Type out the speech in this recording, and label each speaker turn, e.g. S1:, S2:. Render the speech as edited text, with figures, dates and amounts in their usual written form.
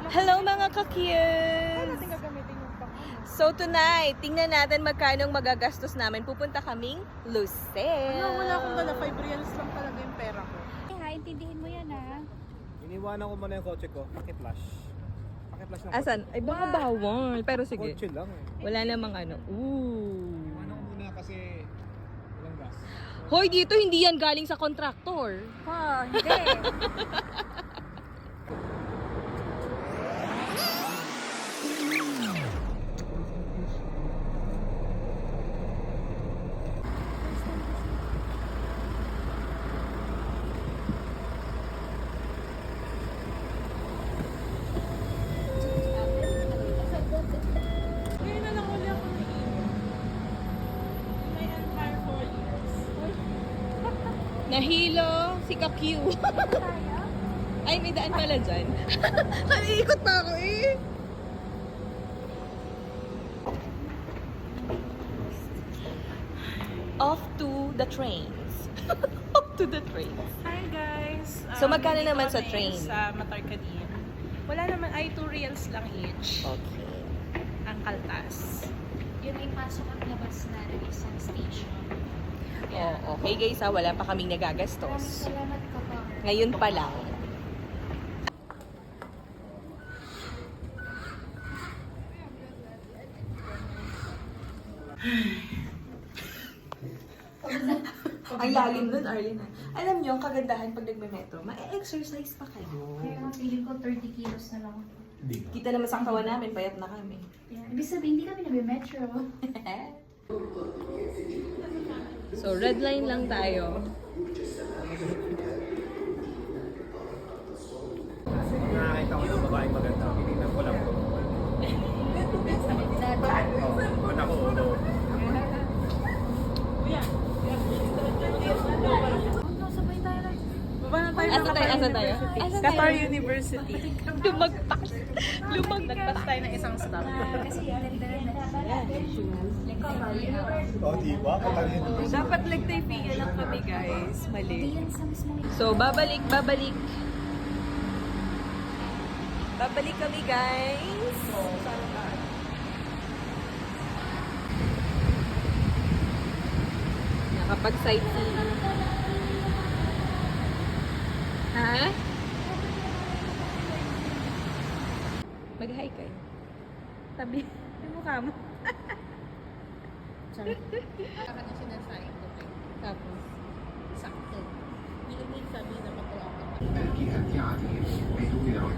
S1: Hello mga ka-cute! So tonight, tingnan natin magkano magagastos namin. Pupunta kaming Lucel.
S2: Wala akong dala. 5 reals lang talaga yung pera ko.
S3: Ha, intindihin mo yan ha.
S4: Iniwanan ko muna yung kotse ko. Paki-flash. Paki-flash ng
S1: Asan? Ay baka bawal. Pero sige.
S4: kotse lang eh.
S1: Wala namang ano. Ooh.
S4: Iniwanan ko muna kasi walang gas.
S1: Hoy, dito hindi yan galing sa kontraktor.
S3: Ha, hindi.
S2: Ngayon na lang uli ako naiiwan. My entire 4 years.
S1: Nahilo si Ka-Q. Ay, may daan pala dyan. Naiikot pa ako eh. Off to the trains. Off to the trains.
S2: Hi guys!
S1: So, magkano
S2: nandito
S1: naman sa
S2: kami
S1: train?
S2: Sa Matarcanin. Wala naman ay 2 reals lang each.
S1: Okay.
S2: Ang kaltas.
S3: Yun ay pasok at labas na ng isang station.
S1: Oh, okay guys ha, wala pa kaming
S3: Maraming
S1: nagagastos.
S3: salamat ka pa.
S1: Ngayon pa lang. Ang lalim nun, Arlene. Alam nyo, ang kagandahan pag nagme-metro, ma-exercise pa kayo.
S3: Kaya ang feeling ko 30 kilos na lang ako.
S1: Kita naman sa katawan namin, payat na kami.
S3: Yeah. Ibig sabihin, hindi kami nabi-metro.
S1: So, red line lang tayo.
S4: Nakakita ko yung babaeng maganda. Tinignan ko lang ko. Ba't ako?
S3: Sabay tayo lang.
S2: Baba na tayo
S1: Asa tayo? Asa tayo? Asa tayo?
S2: Qatar University.
S1: Lumagpas. Lumagpas.
S2: tayo ng isang stop.
S3: Kasi ganda na.
S4: Oh, diba?
S2: Dapat nagtaypigan lang kami guys.
S3: Hindi
S2: Mali.
S3: yan sa mismong
S1: So, babalik. Babalik kami, guys. Nakapag-sightseeing. Ha? Mag-hi kayo.
S2: Tabi. Yung mukha mo.
S1: Tapos.
S2: Sakto. Hindi naman sabi na patuwa ka.